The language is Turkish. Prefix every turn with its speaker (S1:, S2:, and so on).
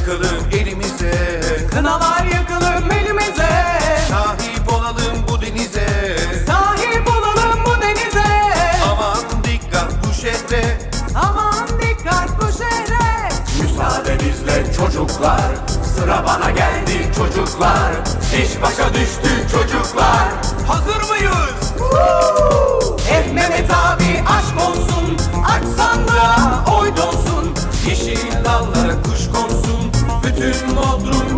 S1: sıkalım elimize,
S2: kınalar yakalım elimize.
S1: sahip olalım bu denize,
S2: Sahip olalım bu denize.
S1: aman dikkat bu şehre.
S2: Aman dikkat bu şehre.
S1: Müsaadenizle çocuklar, sıra bana geldi çocuklar. İş başa düştü çocuklar. Hazır mıyız?
S2: Mehmet abi aşk olsun, aç sandığa oy dolsun.
S1: Yeşil dallara kuş konsun, bütün Bodrum